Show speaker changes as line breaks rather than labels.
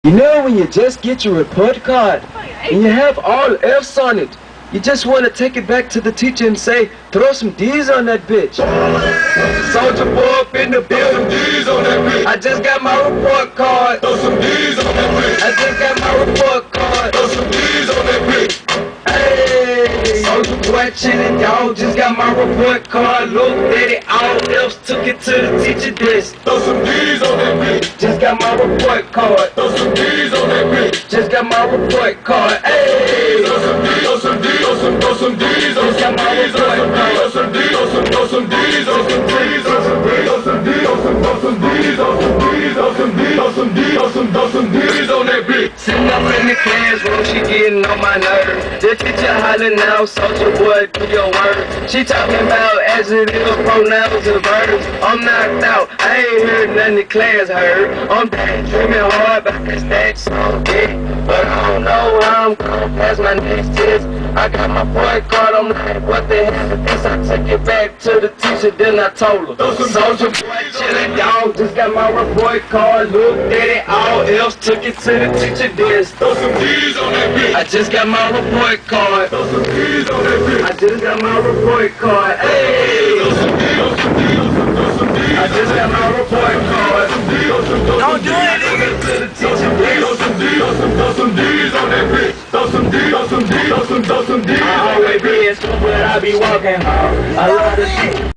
You know when you just get your report card and you have all F's on it, you just want to take it back to the teacher and say, throw some D's on that bitch. Soldier boy up in the building, D's on that bitch. I just got my report card, throw some D's on that bitch. I just got my report card, throw some D's on that bitch. Hey, soldier boy chillin', y'all just got my report card. Looked at it, all F's, took it to the teacher desk. Throw some D's on that bitch. Just got my report card, throw some D's on that bitch. Just got my report card, hey. Throw some D's, throw some D's, throw some D's, throw some D's, throw some D's, throw some D's, throw some D's, throw some D's, throw some D's, throw some D's, throw some D's, throw some D's, throw some D's, throw some D's on that bitch. Sitting up in the classroom, she getting on my nerves. The teacher hollering now, soldier boy, do your work. She talking about adjectives, pronouns, and verbs. I'm knocked out, I ain't heard nothing the class heard. I'm daydreaming hard about this next song, yeah. But I don't know how I'm gonna pass my next test. I got my report card, I'm like, what the hell is this? I took it back to the teacher, then I told her. Soldier boy chillin', y'all just got my report card. Looked at it, all else took it to the teacher desk. Throw some D's on that bitch. I just got my report card. Throw some D's on that bitch. I just got my report card. Hey! Throw some D's, throw some D's, throw some D's. I just got my report card. Don't do it, nigga. To the teacher desk. Throw some D's, throw some D's on that bitch. Throw some D's, throw some D's, throw some D's. I always be in school, but I be walking home. I love the